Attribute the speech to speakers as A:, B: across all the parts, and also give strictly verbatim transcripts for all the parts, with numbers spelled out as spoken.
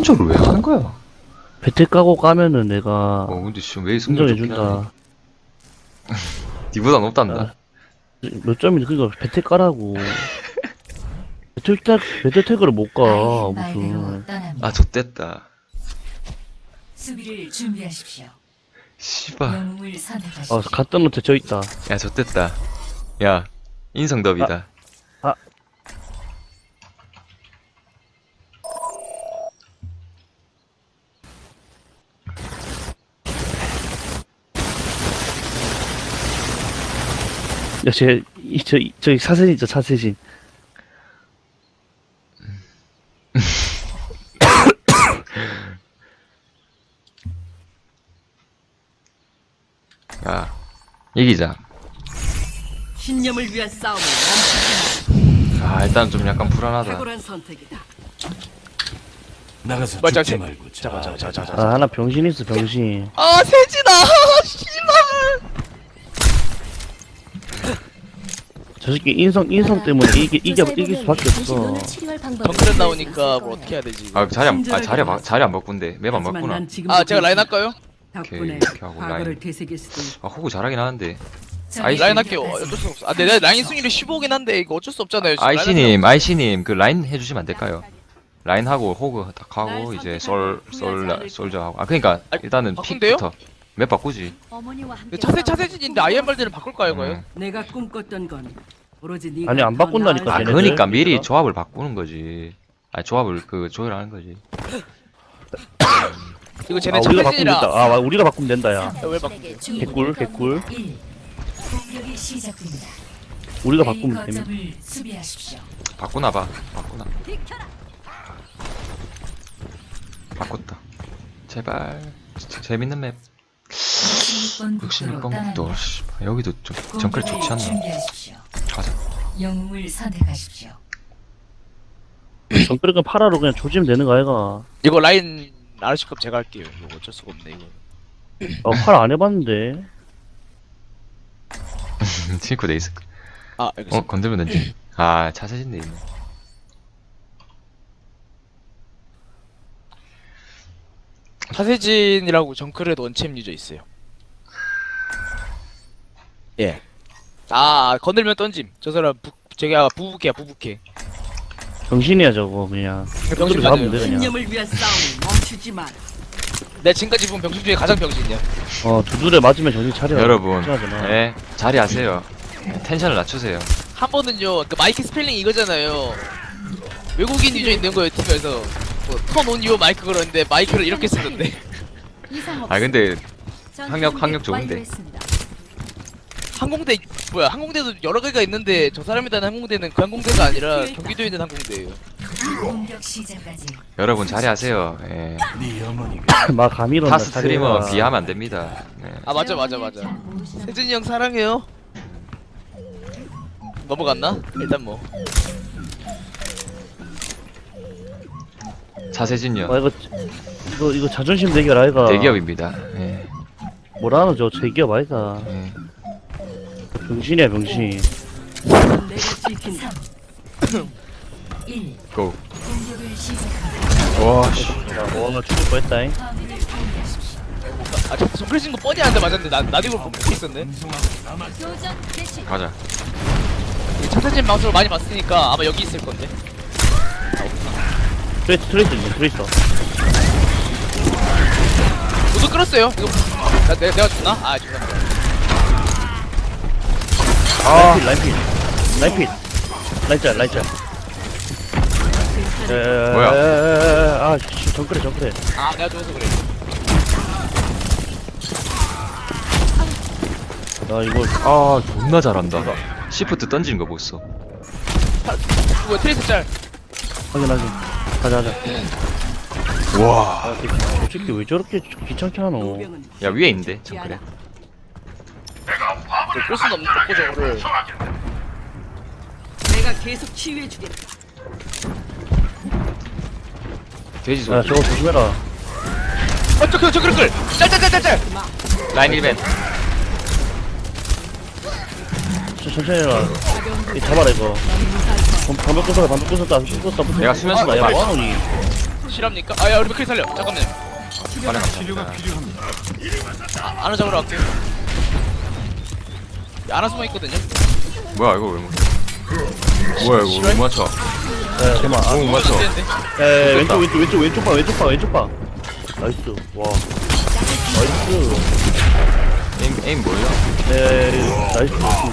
A: 선조를 왜 하는 거야?
B: 배틀 까고 까면은 내가
A: 어 근데 지금 왜 승률 좋긴 하네.
B: 인정해준다.
A: 니보다 높단다.
B: 아, 몇 점인데 그니까 배틀 까라고. 배틀 태 배틀 태그를 못 가. 무슨.
A: 아 좆됐다.
C: 수비를 준비하십시오.
A: 씨발.
C: 영웅을 선택하십시오.
B: 아 갔던 노트 저 있다.
A: 야 좆됐다. 야 인성더비다.
B: 아. 야, 쟤, 이, 저, 이, 저기 사세진 있죠, 사세진.
A: 야 이기자.
D: 신념을 위한 싸움을 멈추지 마.
A: 아 일단 좀 약간 불안하다.
D: 탁월한 선택이다.
E: 나가서
F: 맞아,
E: 죽지
F: 제-
E: 말고
F: 잠깐, 잠깐, 잠깐, 잠깐.
B: 아, 하나 병신 있어, 병신.
F: 아 세진아 씨발.
B: 저 새끼 인성, 인성 때문에 이기, 이겨, 이길 수밖에 없어.
F: 정크랜 나오니까 뭘 어떻게 해야 되지 이거.
A: 아 자리 안, 아 자리 안, 자리 안 바꾼대. 맵 안
D: 하지만
A: 바꾸나.
D: 난 지금
F: 아 제가 라인 할까요?
D: 덕분에
A: 오케이, 이렇게 하고
D: 과거를
A: 라인.
D: 되새길 수도 있고.
A: 아 호구 잘하긴 하는데.
F: 아이 라인 할게요. 어, 어쩔 수 없어. 아 내 라인 승률이 십오긴 한데 이거 어쩔 수 없잖아요. 지금 라인
A: 아이씨님, 아이씨님 그 라인 해주시면 안 될까요? 라인 하고 호그 딱 하고 이제 솔, 솔, 솔저 하고. 아 그러니까
F: 아,
A: 일단은
F: 바꾼대요?
A: 픽부터. 맵 바꾸지.
F: 하려고. 차세 차세진인데 아이엠발드를 바꿀까요, 거요?
A: 음.
D: 내가 꿈꿨던 건 오로지 네가
B: 아니, 안
D: 더
B: 바꾼다니까,
A: 아
D: 나을
B: 쟤네들.
A: 그러니까 미리
B: 얘들아.
A: 조합을 바꾸는 거지. 아 조합을 그 조율하는 거지.
F: 이거
B: 아,
F: 쟤네
B: 우리가 바꾸면
F: 차세진이라.
B: 된다. 아, 우리가 바꾸면 된다, 야.
F: 왜 바꾸지?
B: 개꿀, 개꿀.
C: 일. 공격이 시작됩니다.
B: 우리가
C: A
B: 바꾸면 됩니다.
C: 거점을 수비하십시오.
A: 바꾸나 봐. 바꾸나. 바꿨다. 제발. 진짜 재밌는 맵. 육십육 번 국도. 씨발, 여기도 좀 정글 좋지 않나?
C: 준비하십시오.
A: 가자.
C: 영웅을 선택하십시오.
B: 정글은 파라로 그냥 조지면 되는 거 아이가.
F: 이거 라인 아르시컵 제가 할게요. 이거 어쩔 수가 없네 이거.
B: 어, 파라 안 해봤는데.
A: 칠코 돼 있을 거.
F: 아 알겠습니다.
A: 어 건들면 되지. 아 자세진 돼 있네.
F: 차세진이라고 정크렛 원챔 유저 있어요. 예. 아 건들면 던짐. 저 사람 부, 제가 부부캐야 부부캐.
B: 병신이야, 저거, 그냥.
F: 병신
B: 잡으면
F: 맞아요.
B: 돼, 그냥.
D: 신념을 위한 싸움을 멈추지 마.
F: 내가 지금까지 본 병신 중에 가장 병신이야.
B: 어, 두드려 맞으면 정신 차려.
A: 여러분,
B: 걱정하지 마.
A: 네 자리하세요. 텐션을 낮추세요.
F: 한 번은요 그 마이크 스펠링 이거잖아요. 외국인 유저 있는 거예요 팀에서. 턴온 유어 마이크 그러는데 마이크를 이렇게 쓰던데.
A: 아 근데 학력 학력 좋은데.
F: 항공대 뭐야 항공대도 여러 개가 있는데 저 사람이 다는 항공대는 그 항공대가 아니라 경기도에 있는 항공대예요.
C: 공격 시작까지
A: 여러분 자리하세요. 예.
E: 네 어머니가
B: 막 감이 일어나.
A: 타 스트리머 비하면 안 됩니다. 네.
F: 아 맞아 맞아 맞아. 세진이 형 사랑해요. 넘어갔나? 일단 뭐
A: 자세진요.
B: 아, 이거, 이거, 이거 자존심 대결 아이가.
A: 대기업입니다. 예.
B: 뭐라 하노, 저 대기업 아이가.
A: 예.
B: 병신이야, 병신.
D: 내가 지킨다.
C: 일.
A: 고.
C: 공격을 시작합니다.
A: 와 씨.
B: 야, 뭐, 나 죽을 뻔했다잉.
C: 화물을 공개하십시오.
F: 아저 정글 친거 뻔히 아는데 맞았는데 나 나도 이걸 보고 있었네.
C: 교전 개시.
A: 가자.
F: 차세진 방송을 많이 봤으니까 아마 여기 있을 건데.
B: 트레이스, 트레이스 있네, 트레이스.
F: 저도 끌었어요. 이거 나, 내, 내가 죽나? 아 죽나.
A: 아.
B: 라인필, 라인필. 라인짤, 라인짤.
A: 뭐야?
B: 아, 씨, 정크래, 정크래.
F: 아 내가 죽어서 그래.
B: 나 이거,
A: 아 존나 잘한다. 시프트 던지는 거 보소.
F: 이거 트레이스 짤.
B: 확인, 확인. 가자, 가자.
A: 와.
B: 아, 이- 저 새끼 왜 저렇게 귀찮게 하노?
D: 노병은
A: 야 위에 있는데 정글에.
F: 끌 수는 없는 거고 저거를.
D: 내가 계속 치유해 주겠다.
A: 돼지
B: 야,
A: 소리.
B: 저거 조심해라.
F: 어 저거 저거 끌. 짤짤짤짤짤.
A: 라인 일 벤.
B: 저, 천천히 해라. 이 잡아라, 이거. 방- 방벽 부숴라, 방벽 부쉈다, 부쉈다, 부쉈다.
A: 내가 수면
B: 아,
A: 수가
B: 야,
A: 있어.
B: 뭐하노니?
F: 실합니까? 아야 우리 맥크리 살려. 잠깐만요.
A: 빨리 감사합니다.
F: 아, 아나 잡으러 갈게요. 야, 아나 숨어 있거든요.
A: 뭐야 이거 왜 못? 뭐야 이거 못 맞춰?
B: 야 잠깐만 아,
A: 못 맞춰?
F: 되는데.
B: 야, 야, 왼쪽 왼쪽 왼쪽 왼쪽 봐 왼쪽 봐 왼쪽 봐 나이스 와 나이스
A: 에임 에임 뭐야?
B: 네 나이스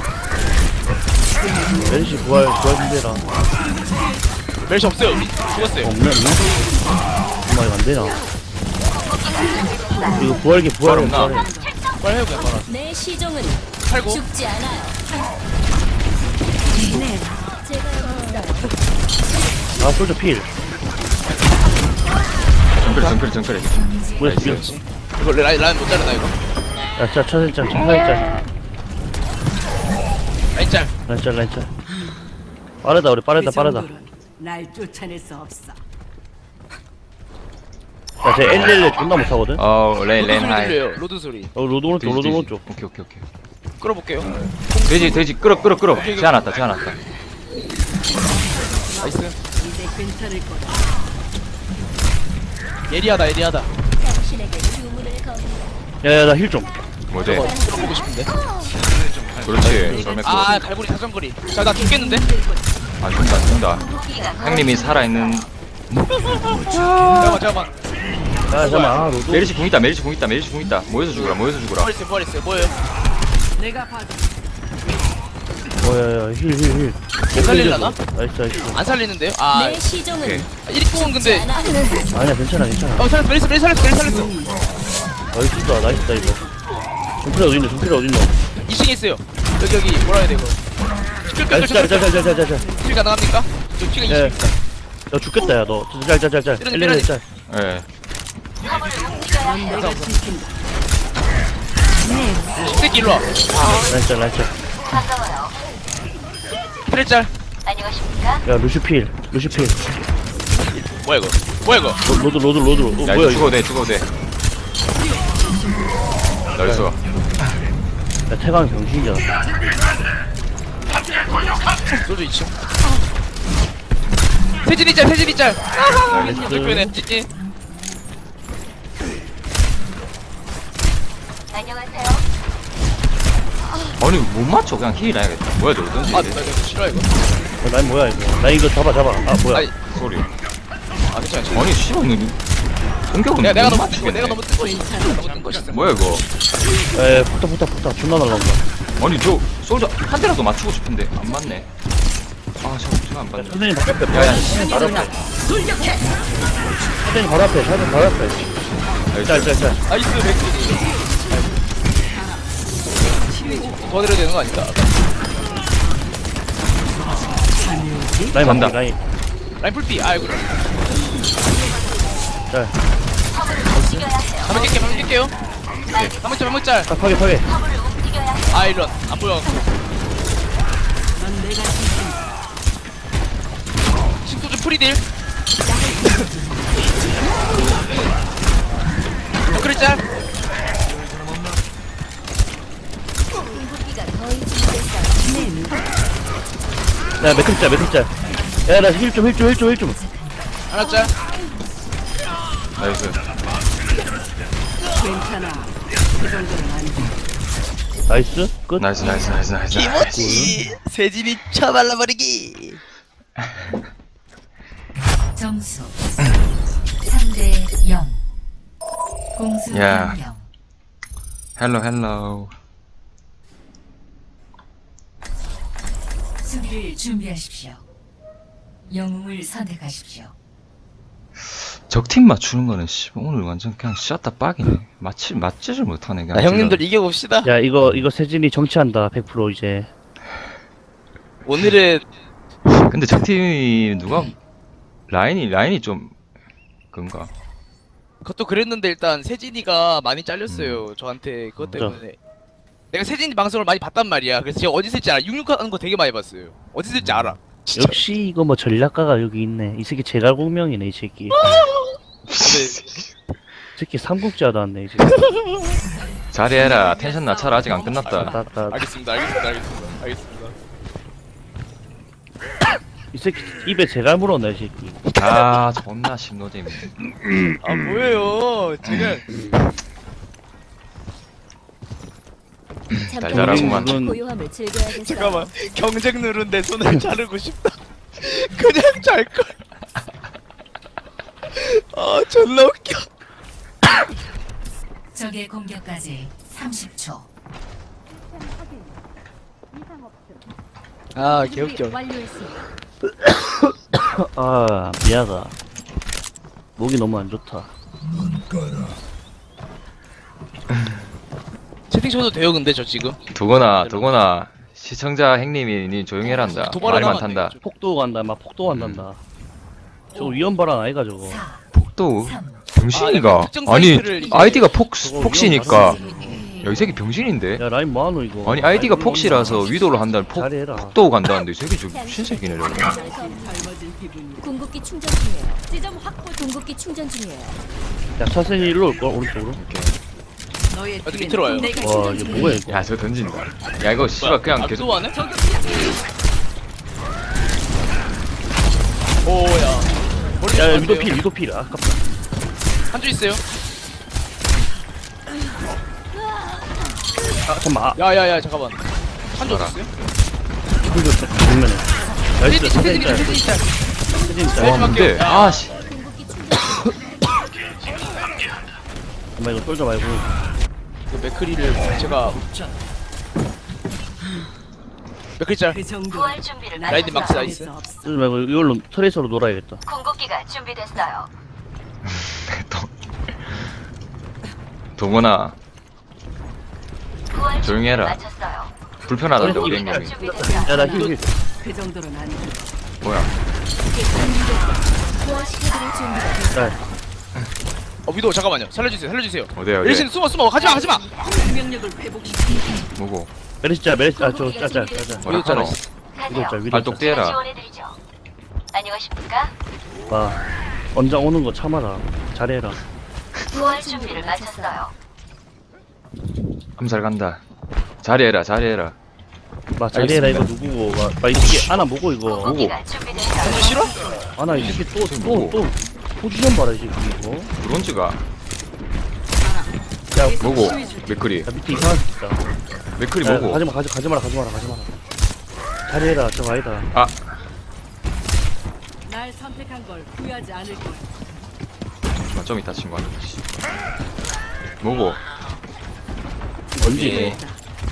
B: 멜시 부활 부활 준비해라
F: 멜시 없어요. 우리 죽었어요.
B: 없네 없네 정말 이거 안되나 이거 부활기 부활
A: 부활 없나?
B: 부활해
F: 빨리 해보자. 빨리.
C: 내 시종은
F: 팔고.
C: 죽지 않아요.
B: 아 솔저 필
A: 정글 정글 정글.
B: 뭐야
A: 나이스.
B: 미쳤어
F: 이거 라인 라인 못 자르나 이거?
B: 야 짜, 차살짝 차살짝
F: 라인 짤.
B: 라인짤 라인짤 빠르다 우리 빠르다
D: 그
B: 빠르다
D: 정도로는 날 쫓아낼 수 없어.
B: 야쟤 엘엘엘 존나 못하거든 어
A: 어 레인
F: 로드
A: 레인
F: 소리
A: 하이.
F: 들려요. 로드 소리.
B: 로드 오른쪽
A: 돼지,
B: 로드
A: 돼지.
B: 오른쪽
A: 오케이 오케이 오케이.
F: 끌어볼게요.
A: 돼지 돼지 끌어 끌어 끌어. 제안왔다 제안왔다.
F: 나이스.
D: 이제 괜찮을 거야.
F: 예리하다 예리하다.
B: 야야 나 힐좀
A: 뭐지?
F: 끌어보고 싶은데.
A: 그렇지. 설맥고.
F: 아 갈고리 사정거리. 자나 죽겠는데?
A: 아 죽다 죽다. 형님이 살아 있는.
F: 잠깐만 잠깐만.
B: 야 잠깐만 아 로드
A: 메리시 궁 있다 메리시 궁 있다 메리시 궁 있다. 모여서 죽어라 모여서 죽어라.
F: 부활했어요 부활했어요. 뭐예요?
D: 내가 봐도
B: 어야야 힐힐힐
F: 못 살릴라나?
B: 나이스 나이스
F: 안 살리는데요? 아
A: 네.
C: 내 시종은
A: 오케이.
F: 일 분 근데
B: 아니야 괜찮아 괜찮아
F: 어 살렸어 메리스 메리스 살렸어 메리스 살렸어.
B: 나이스다 나이스다 이거 종필이 어딨노 종필이 어딨노
F: 이 층에 있어요. 여기 여기 뭐라 해야 돼 이거. 끌끌끌
B: 나이스
F: 끌끌
B: 짤짤짤짤짤짤
F: 킬 가능합니까? 저 피가
B: 예.
F: 이십입니다.
B: 야 죽겠다 야너 짤짤짤짤
F: 때려내,
B: 엘엘엘 짤
A: 예.
D: 넌 내가 지킨다.
F: 십새끼 일로와.
B: 라인 짤 라인 짤
F: 트레 짤.
B: 야 루시필 루시필
F: 뭐야 이거 뭐야 이거.
B: 로- 로드 로드 로드 어,
A: 야
B: 뭐야
A: 이거
B: 이거
A: 죽어도 돼 죽어도 돼. 나이스.
B: 야 태강 병신이잖아
F: 소주 이 층. 세진이 짤 세진이 짤.
B: 나이스
F: 불편해 찌찌.
A: 아니 못 맞춰 그냥 힐 해야겠다. 뭐야 저 어떤
F: 아
A: 지
F: 나 이거 싫어 이거.
B: 어, 라인 뭐야 이거 라인 이거 잡아 잡아 아 뭐야
F: 아니
A: 소리.
F: 아 괜찮아 괜찮아.
A: 아니 씨발 너 공격은
F: 내가 내가
A: 못
F: 너무 뜬거
A: 맞추겠네.
F: 내가 너무 뜬거 너무 뜬거 있어.
A: 뭐야 이거?
B: 에 폭탄 폭탄 폭탄 존나 날라온다
A: 아니 저 솔저 한 대라도 맞추고 싶은데 안 맞네. 아 잠깐 제가 안 맞네.
B: 선생님 바로 앞에
A: 야야.
B: 바로 앞에 선생님 바로 앞에 선생님 바로 앞에 짤짤짤
F: 나이스 백스. 도와드려야 되는 거 아닌가?
B: 라인
A: 간다.
B: 맞다 라인
F: 라인 풀피 아이고.
B: 짤
F: 한번 깰게요 한번 깰게요. 한번 짤 한번 짤.
B: 딱 파괴 파괴
F: 아 이런 안 보여.
D: 넌 내가 지킨다.
F: 신소주 프리딜. 그래 짤.
B: 야 매클 짤 매클 짤야나 힐 좀 힐 좀 힐 좀 힐좀
F: 하나 짤.
A: 나이스.
D: 괜찮아. 그 정도는 아니지.
B: 나이스 끝
A: 나이스 나이스 나이스 나이스.
F: 김치 세진이 쳐발라버리기.
C: 점수 삼 대 영. 공수
A: 야.
C: 변경.
A: 헬로 헬로.
C: 수비를 준비하십시오. 영웅을 선택하십시오.
A: 적팀 맞추는 거는 씨 오늘 완전 그냥 샷다 빡이네. 맞지 맞지를 못하네. 그냥
F: 나 형님들
A: 지금.
F: 이겨봅시다.
B: 야 이거 이거 세진이 정치한다 백 퍼센트 이제
F: 오늘은
A: 근데 적팀이 누가 라인이 라인이 좀 그런가?
F: 그것도 그랬는데 일단 세진이가 많이 잘렸어요. 저한테 그것
B: 맞아.
F: 때문에. 내가 세진이 방송을 많이 봤단 말이야. 그래서 제가 어디 있을지 알아. 육육하는 거 되게 많이 봤어요. 어디 있을지 알아. 진짜.
B: 역시 이거 뭐 전략가가 여기 있네 이 새끼 제갈공명이네 이 새끼 이
F: 근데
B: 새끼 삼국지하다 왔네 이 새끼
A: 자리해라. 텐션 낮춰라. 아직 안 끝났다.
B: 따따
F: 알겠습니다. 알겠습니다. 알겠습니다. 알겠습니다.
B: 이 새끼 입에 제갈 물었네 이 새끼.
A: 아 존나 심노잼.
F: 아 뭐예요? 제가
A: 달달하구만.
B: 이건
C: 고요함을 즐겨야겠어요.
F: 잠깐만 경쟁 누른데 손을 자르고 싶다. 그냥 잘 걸. 아 존나 웃겨.
C: 적의 공격까지 삼십 초.
F: 아 개웃겨.
C: 완료했습니다.
B: 아 미안하다. 목이 너무 안 좋다.
F: 채팅 쳐도 돼요 근데 저 지금.
A: 두거나 두거나 시청자 행님이 니 조용해란다.
F: 도발을
A: 말만
F: 하면 안
A: 탄다.
F: 되겠죠.
B: 폭도 간다 막 폭도 간단다. 저거 위험 발언 아이가 저거.
C: 사,
A: 폭도
C: 삼,
A: 병신이가.
F: 아, 특정
A: 아니
F: 사이트를 이제-
A: 아이디가 폭
B: 저거
A: 폭시니까.
B: 위험
A: 야 이 새끼 병신인데.
B: 야 라인 뭐하노 이거.
A: 아니 아이디가 폭시라서 위도를 한다는 폭
B: 잘해라.
A: 폭도 간다는데 이 새끼 저 신새끼네 저거.
D: 닮아진 기분이.
C: 궁극기 충전 중이에요. 지점 확보. 궁극기 충전 중이에요.
B: 야 차선이 일로 올걸 오른쪽으로.
D: 너의
F: 어디
D: 뒤엔
F: 밑으로 와요?
D: 내가
B: 와 이게 뭐야 이거.
A: 야 저 던진다. 야 이거 씨발 그냥 계속
F: 또 하네? 오야. 머리
B: 야, 야
F: 좀
B: 위도
F: 안
B: 필
F: 돼요.
B: 위도 필 아깝다.
F: 한줄 있어요.
B: 아 잠만. 아
F: 야야야 잠깐만. 한줄
A: 봐라.
F: 있어요?
B: 풀렸어 정면에. 나이스
F: 세진
B: 사진
F: 세진이랑
B: 짤.
F: 세진이 짤.
B: 사진
F: 와,
B: 짤.
A: 와 뭔데?
F: 야.
A: 아씨.
C: 궁극기 충전.
B: 잠만 이거 쫄지 말고.
F: 그 맥크리를 제가 맥크리 짤.
D: 그 정도.
E: 부활 준비를
F: 라이드 막스 나이스.
B: 쫄지 말고 이걸로 트레이서로 놀아야겠다.
E: 궁극기가 준비됐어요.
A: 또 동원아
E: 부활
A: 조용히 해라.
E: 준비를 마쳤어요.
A: 불편하던데 우리
E: 궁극기가
A: 행님이.
E: 준비됐어요.
B: 야나 힐 힐.
D: 그 정도는 아니고.
A: 뭐야?
C: 부활시켜드릴 준비가 됐
B: 짤.
F: 어 위도 잠깐만요. 살려주세요. 살려주세요.
A: 어디야 어디?
F: 일신 숨어 숨어 가지마 가지마.
D: 생명력을 회복시키.
A: 뭐고?
B: 메르시 짤 메르시 짤저짤짤 짤.
A: 뭐라
F: 위도 짤
A: 하노?
B: 위도 짤
E: 가세요.
B: 위도
A: 발독
B: 짤.
A: 떼라.
E: 지원해드리죠. 안녕하십니까?
B: 봐. 언장 오는 거 참아라. 잘해라.
E: 부활 준비를 마쳤어요.
A: 암살 간다. 잘해라 잘해라.
B: 봐 잘해라 이거 누구고. 봐, 봐 이게 아나 뭐고 이거.
E: 궁극기가 준비됐어요.
F: 한줄 싫어?
B: 아나 이 새끼
A: 뭐고?
B: 또또또 포지션 봐라 이 새끼 이거.
A: 브론즈가
B: 야
A: 뭐고? 맥크리
B: 야 밑에 이상한 새끼 있다.
A: 맥크리
B: 야,
A: 뭐고?
B: 가지마 가지 가지마라 가지마라 가지마라. 잘해라 저거 아니다.
A: 아
D: 날 선택한 걸 후회하지 않을 거야.
A: 아, 좀 이따 친구 한테 뭐고?
B: 뭔지
F: 예.
B: 이거.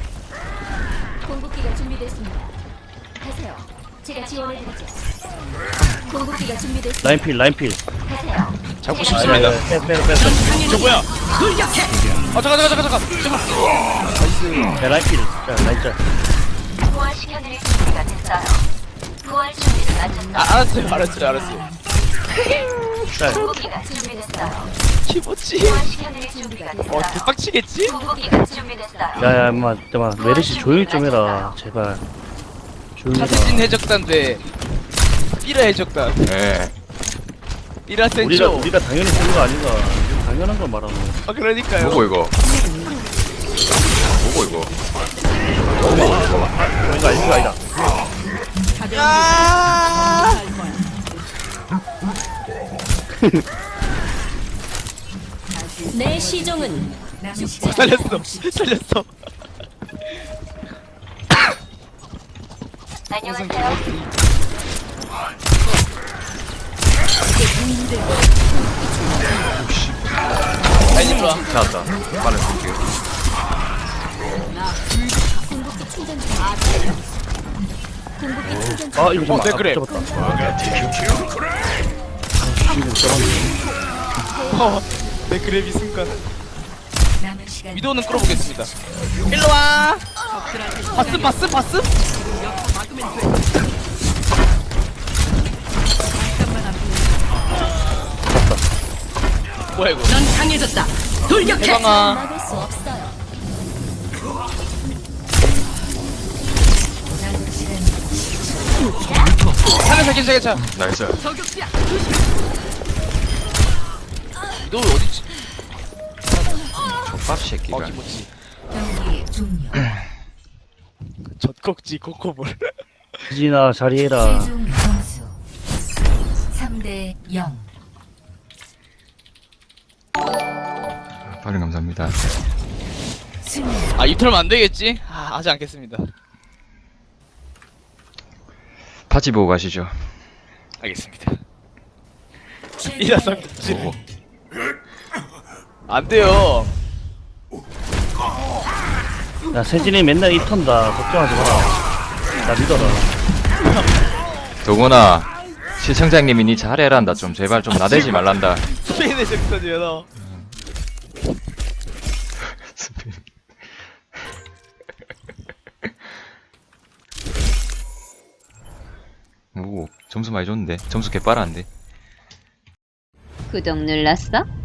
C: 궁극기가 준비됐습니다. 가세요. 제가 지원해드리죠. 궁극기가 준비됐습니다.
B: 라인 필 라인 필.
E: 가세요.
F: 잡고 싶습니다.
B: 빼빼빼 빼.
F: 저 뭐야? 아 잠깐 잠깐 잠깐 잠깐.
B: 야 라인 필. 자 라인 짤.
E: 부활시켜드릴 준비가 됐어요. 부활 준비를 마쳤어요.
F: 아 알았어요 알았어요 알았어요.
B: 짤.
E: 궁극기가 준비됐어요.
F: 키모치.
E: 부활시켜드릴 준비가
F: 어
E: 됐어요.
F: 대박치겠지?
E: 궁극기가 준비됐어요.
B: 야야 엄마 잠깐만 메르시 조용히 좀 해라 제발. 조용히
F: 차세진
B: 해라.
F: 해적단데 삐라 해적단.
A: 예.
F: 삐라
B: 우리가
F: 센쇼.
B: 우리가 당연히 쓰는 거 아닌가. 당연한 걸 말하노.
F: 아 그러니까요.
A: 뭐고 이거? 뭐고 이거?
B: 이거 아니 이거 아니다.
F: 야!
C: 내 시종은 남은 시간
F: 살렸어 살렸어.
E: 안녕하세요.
F: 아니 일로 와.
A: 찾았다. 빠른 볼게요.
C: 궁극기 충전 중. 궁극기 충전 중.
B: 아 이거 좀
F: 어, 네, 그래.
B: 잡았다.
F: 어, 내 그래비 순간.
C: 남은 시간
F: 위도는 끌어보겠습니다. 일로 와. 봤음 봤음 봤음?
D: 막으면 돼. 잠깐만 앞으로.
F: 뭐야 이거?
D: 넌 강해졌다. 돌격해.
F: 해방아.
C: 막을 수 없어요. 남은 시간
F: 살려서 괜찮아 괜찮아.
A: 나이스.
D: 저격수야.
F: 너 어디지?
A: 밥 새끼가.
F: 어 김치.
C: 경기 종료.
F: 젖꼭지 코코볼.
B: 지진아 자리해라.
C: 최종 점수 영.
A: 빠른 감사합니다.
C: 승리.
F: 아 입털면 안 되겠지? 아, 하지 않겠습니다.
A: 파지 보고 가시죠.
F: 알겠습니다. 이 녀석
A: 오.
F: 안 돼요.
B: 야 세진이 맨날 이 턴다 걱정하지 마라. 나 믿어라.
A: 도건아, 시청자님이 니 잘해란다. 좀 제발 좀 나대지 말란다.
F: 스페인의 잭슨이야 너.
A: 오, 점수 많이 줬는데. 점수 개빨았는데.
E: 구독 눌렀어?